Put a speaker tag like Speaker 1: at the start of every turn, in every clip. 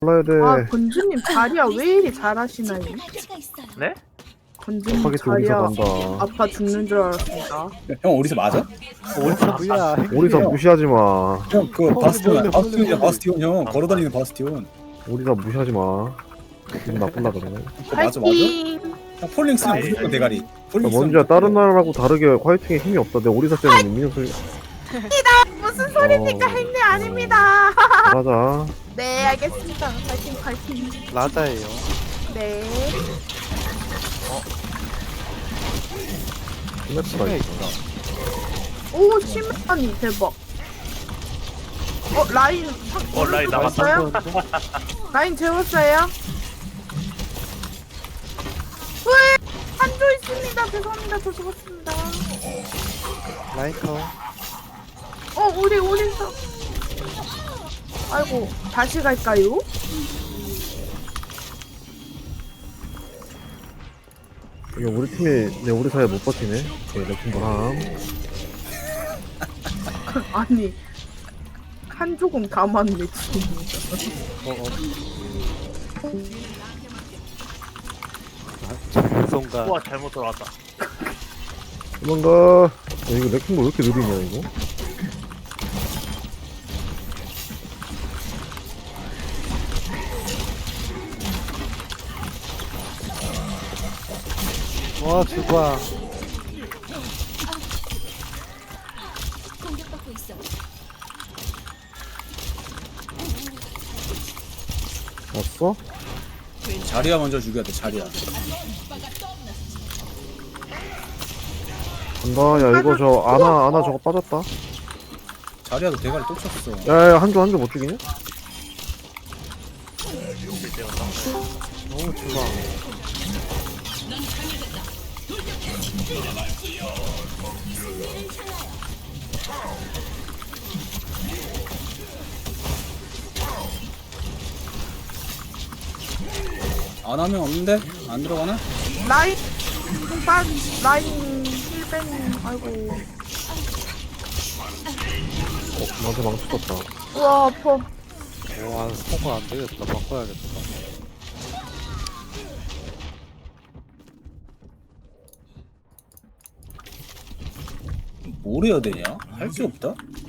Speaker 1: 골라야 돼.
Speaker 2: 아 건주님 자리야 왜 이리 잘하시나요?
Speaker 3: 네?
Speaker 2: 건주님
Speaker 1: 스파게티 오리사
Speaker 2: 자리야
Speaker 1: 간다.
Speaker 2: 아파 죽는 줄 알았습니다.
Speaker 4: 형 어디서 맞아?
Speaker 5: 어디서 뭐야?
Speaker 1: 오리사 무시하지 마.
Speaker 4: 형 그 바스티온이야. 바스티온이야.
Speaker 5: 홀리.
Speaker 4: 바스티온 형 걸어다니는 바스티온.
Speaker 1: 오리사 무시하지 마. 기분 나쁜다 그러네.
Speaker 4: 맞아.
Speaker 2: 파이팅!
Speaker 4: 형 폴링 쓰면 무조건 대가리. 폴링 쓰면
Speaker 1: 먼저 다른 나라라고 다르게 화이팅에 힘이 없다. 내 오리사 때문에 민영 소리.
Speaker 2: 무슨 소리입니까 했네 아닙니다.
Speaker 1: 잘하자.
Speaker 2: 네 알겠습니다. 파이팅 파이팅.
Speaker 5: 라자예요.
Speaker 2: 네.
Speaker 1: 스매프가
Speaker 5: 심해
Speaker 1: 있어.
Speaker 5: 있다.
Speaker 2: 오 심하니 대박. 라인
Speaker 3: 라인 남았다.
Speaker 2: 재웠어요? 라인 재웠어요? 왜? 한조 있습니다. 죄송합니다. 저 죽었습니다.
Speaker 5: 라이커.
Speaker 2: 우리 오리사. 아이고 다시 갈까요?
Speaker 1: 이거 우리 팀이 내 오리사에 못 버티네. 오케이, 레킹 보람.
Speaker 2: 아니 한 조금 다 맞네 지금.
Speaker 5: 정성가.
Speaker 3: 우와 잘못 들어왔다.
Speaker 1: 도망가. 이거 레킹 뭐 왜 이렇게 느리냐 이거?
Speaker 5: 와 주봐.
Speaker 6: 공격받고 있어.
Speaker 1: 왔어?
Speaker 4: 자리야 먼저 죽여야 돼. 자리야.
Speaker 1: 간다. 야 이거 저 아나 저거 빠졌다.
Speaker 4: 자리야도 대가리 또 쳤어.
Speaker 1: 야야 한조 못 죽이냐?
Speaker 5: 너무 주봐.
Speaker 4: 안 하면 없는데? 안 들어가나?
Speaker 2: 라인 라인 힐벤 아이고.
Speaker 1: 나한테 망치 떴다.
Speaker 2: 우와 아파.
Speaker 5: 와 스포가 안 되겠다. 바꿔야겠다.
Speaker 4: 뭘 해야 되냐? 할 게 없다?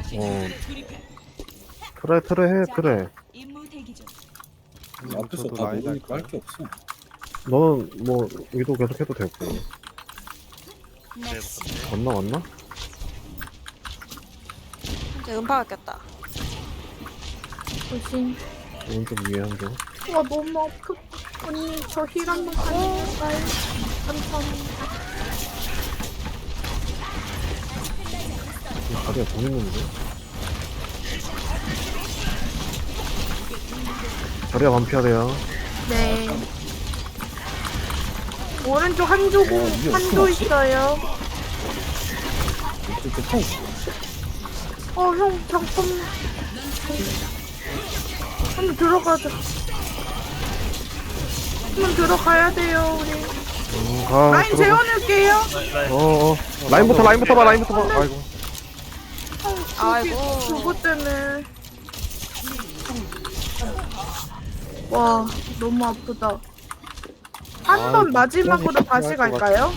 Speaker 1: 그래 해 그래.
Speaker 6: 임무 대기 중.
Speaker 4: 앞에서
Speaker 5: 저도
Speaker 4: 다
Speaker 5: 라인
Speaker 4: 모르니까
Speaker 5: 할
Speaker 4: 할 게 없어.
Speaker 1: 너는 뭐 위도 계속 해도 되고. 왔나?
Speaker 7: 이제 음파가 꼈다.
Speaker 2: 조심.
Speaker 1: 오른쪽 위에 한조.
Speaker 2: 와 너무 아프. 언니 저 힐 한번 가능할까요? 감사합니다.
Speaker 1: 다리가 돈 있는데. 다리가 반피하래요.
Speaker 2: 네. 오른쪽 한조
Speaker 4: 이게
Speaker 2: 한조
Speaker 4: 어떻게
Speaker 2: 있어요.
Speaker 4: 이렇게 통.
Speaker 2: 형 잠깐만. 한번 들어가자. 한번 들어가야 돼요 우리.
Speaker 1: 가.
Speaker 2: 라인
Speaker 1: 들어가.
Speaker 2: 재워놓을게요.
Speaker 1: 라인부터 봐. 아이고.
Speaker 7: 아이고.
Speaker 2: 그거 때문에. 와 너무 아프다. 한 번 마지막으로 다시 갈까요?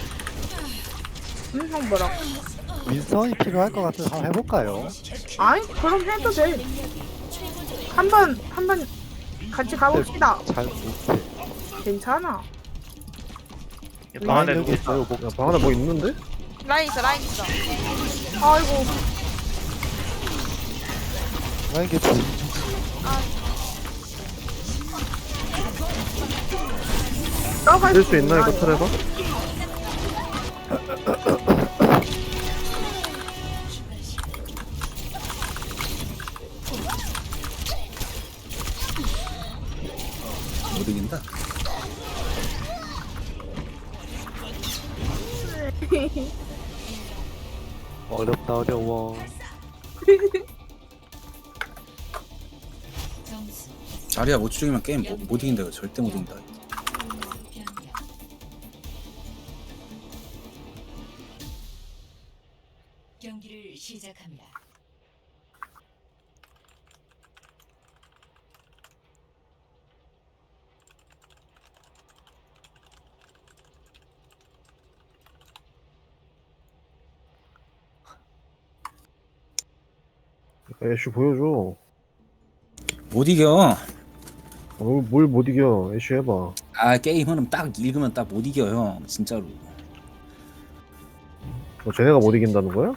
Speaker 2: 형 뭐라고?
Speaker 5: 윈선이 필요할 것 같아서 한번 해볼까요?
Speaker 2: 아이 그럼 해도 돼. 한 번 같이 가봅시다.
Speaker 5: 잘 못해.
Speaker 2: 괜찮아.
Speaker 3: 방 안에
Speaker 5: 라인
Speaker 3: 누구
Speaker 5: 여기
Speaker 3: 있다.
Speaker 5: 있어요. 뭐,
Speaker 1: 야, 방 안에 뭐 있는데?
Speaker 7: 라인 있어.
Speaker 2: 아이고
Speaker 5: 라인 개피.
Speaker 2: 나갈
Speaker 1: 뜰 수 있나 이거 틀에서?
Speaker 4: 못 이긴다.
Speaker 5: 어렵다 어려워.
Speaker 6: 점수
Speaker 4: 자리야 못 죽이면 게임 못 이긴다. 이거 절대 못 이긴다.
Speaker 6: 경기를 시작합니다.
Speaker 1: 애쉬 보여줘.
Speaker 4: 못 이겨.
Speaker 1: 뭘 못 이겨. 애쉬 해봐.
Speaker 4: 아 게임은 딱 읽으면 딱 못 이겨 형 진짜로.
Speaker 1: 쟤네가 못 이긴다는 거야?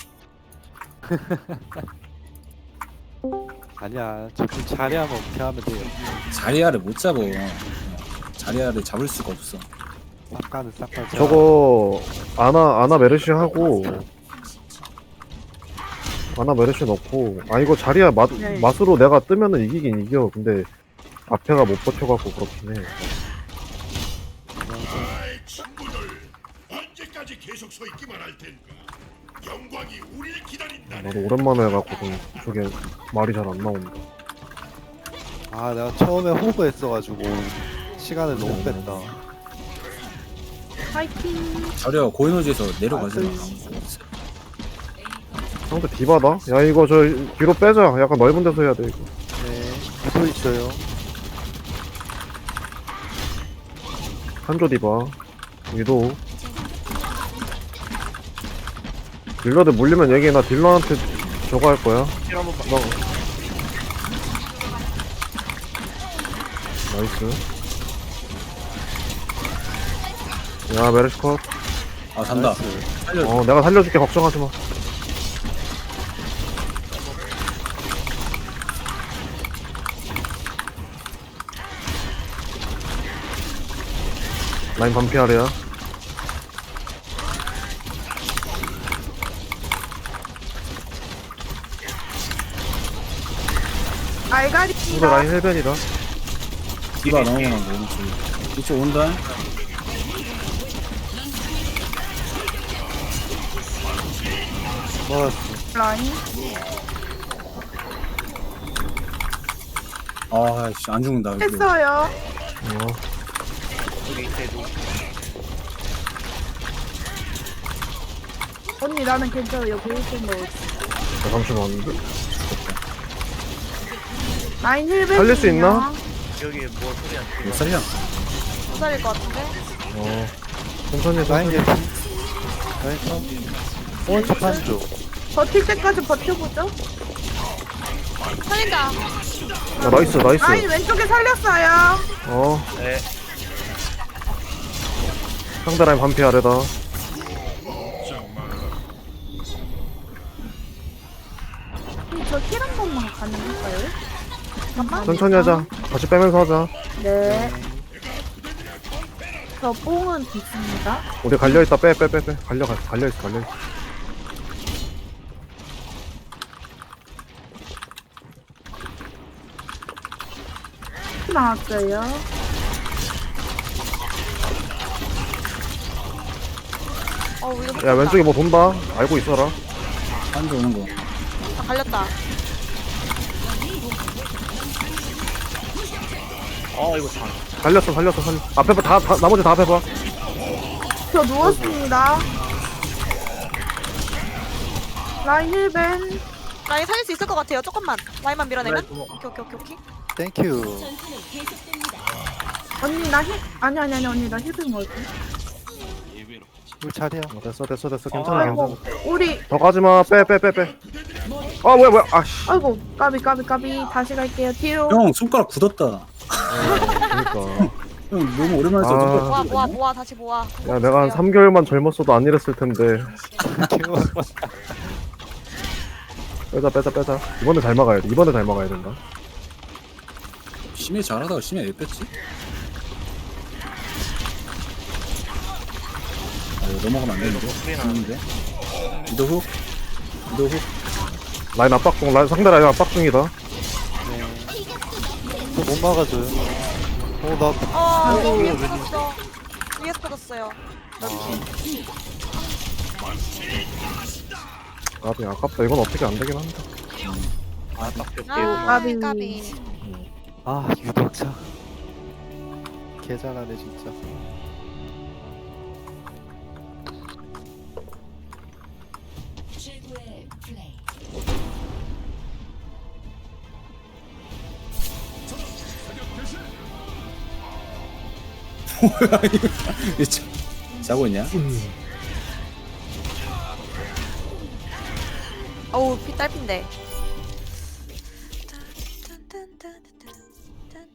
Speaker 5: 아니야 저좀 자리하면 어떻게 하면 돼요.
Speaker 4: 자리아를 못 잡어. 자리아를 잡을 수가 없어.
Speaker 5: 싹가는 싹가.
Speaker 1: 저거 아나 메르시 하고 아나 메르시 넣고 이거 자리야
Speaker 2: 네.
Speaker 1: 맛으로 내가 뜨면은 이기긴 이겨. 근데 앞에가 못 버텨갖고 그렇긴 해.
Speaker 8: 언제까지 계속 서 있기만 할 텐가? 영광이 우리를 기다린다.
Speaker 1: 나도 오랜만에 해갖고 좀 저게 말이 잘 안 나온다.
Speaker 5: 아 내가 처음에 호그 했어가지고 시간을 너무 뺐다.
Speaker 2: 파이팅.
Speaker 4: 자리아 고에너지에서 내려가지 마.
Speaker 1: 상대 디바다? 야 이거 저 뒤로 빼자. 약간 넓은 데서 해야 돼 이거.
Speaker 5: 네. 또 있어요.
Speaker 1: 한조 디바 위도 딜러들 물리면 얘기해. 나 딜러한테 저거 할 거야.
Speaker 3: 힐 한번 봐.
Speaker 1: 나이스. 야 메르시 컷.
Speaker 4: 아 산다. 살려.
Speaker 1: 내가 살려줄게. 걱정하지 마. 라인 반피 아래야. 상대
Speaker 2: 알가리입니다.
Speaker 1: 라인 헬벤이다.
Speaker 4: 디바 넘어가는 거 오른쪽. 이쪽 온다.
Speaker 5: 먹었어.
Speaker 2: 라인.
Speaker 4: 아씨 안 죽는다. 이거.
Speaker 2: 했어요.
Speaker 3: 여기 있대도.
Speaker 2: 언니 나는 괜찮아. 여기 1점 넣었어.
Speaker 1: 잠시만.
Speaker 2: 라인 힐백.
Speaker 1: 살릴 수 있나?
Speaker 3: 여기 뭐 소리 안
Speaker 4: 몇
Speaker 3: 들려?
Speaker 4: 살이야?
Speaker 7: 못 살릴 것 같은데?
Speaker 1: 천천히 해서.
Speaker 5: 라인 개피. 라인 참. 오른쪽 한쪽.
Speaker 2: 버틸 때까지 버텨보죠.
Speaker 7: 살린다.
Speaker 1: 야 나이스 나이스.
Speaker 2: 라인 왼쪽에 살렸어요.
Speaker 3: 네.
Speaker 1: 상대 라인 반피 아래다.
Speaker 2: 저 힐 한 번만 가능할까요? 잠깐만.
Speaker 1: 천천히 하자. 같이 빼면서 하자.
Speaker 2: 네. 저 뽕은 있습니다.
Speaker 1: 우리 갈려있다. 빼. 갈려있어.
Speaker 2: 나왔어요.
Speaker 7: 이거
Speaker 1: 야 왼쪽에 뭐 돈다. 알고 있어라.
Speaker 4: 한쪽 오는 거.
Speaker 7: 아, 갈렸다.
Speaker 3: 이거 잘.
Speaker 1: 살렸어. 앞에 봐. 다 나머지 다 앞에 봐.
Speaker 2: 저 누웠습니다. 라인 힐벤.
Speaker 7: 라인 살릴 수 있을 것 같아요. 조금만. 라인만 밀어내면.
Speaker 3: 네,
Speaker 7: 오케이.
Speaker 5: 땡큐.
Speaker 2: 언니 나 힐. 아니 언니 나 힐벤 뭐지?
Speaker 5: 우리 자리야.
Speaker 1: 됐어. 괜찮아.
Speaker 2: 아이고 우리
Speaker 1: 더 가지마. 빼. 뭐야. 아씨.
Speaker 2: 아이고 까비 다시 갈게요. 뒤로.
Speaker 4: 형 손가락 굳었다.
Speaker 1: 그러니까.
Speaker 4: 형 너무 오랜만에 써. 손가락
Speaker 7: 모아. 다시 모아.
Speaker 1: 야 내가 한 3개월만 젊었어도 안 이랬을 텐데. 빼자. 이번에 잘 막아야 된다.
Speaker 4: 심해 잘하다가 심해 왜 뺐지? 이거 넘어가면 안 되는데. 죽는데. 이도 훅.
Speaker 1: 라인 압박 중. 상대 라인 압박 중이다.
Speaker 5: 못 막아줘요. 나
Speaker 7: 위에서 터졌어. 위에서 터졌어요.
Speaker 1: 까비 아깝다. 이건 어떻게 안 되긴 한다.
Speaker 7: 까비.
Speaker 5: 유덕자. 개 잘하네 진짜.
Speaker 6: 최고의 플레이.
Speaker 4: 뭐야 이거. 자고 있냐?
Speaker 7: 어우 피 딸핀데.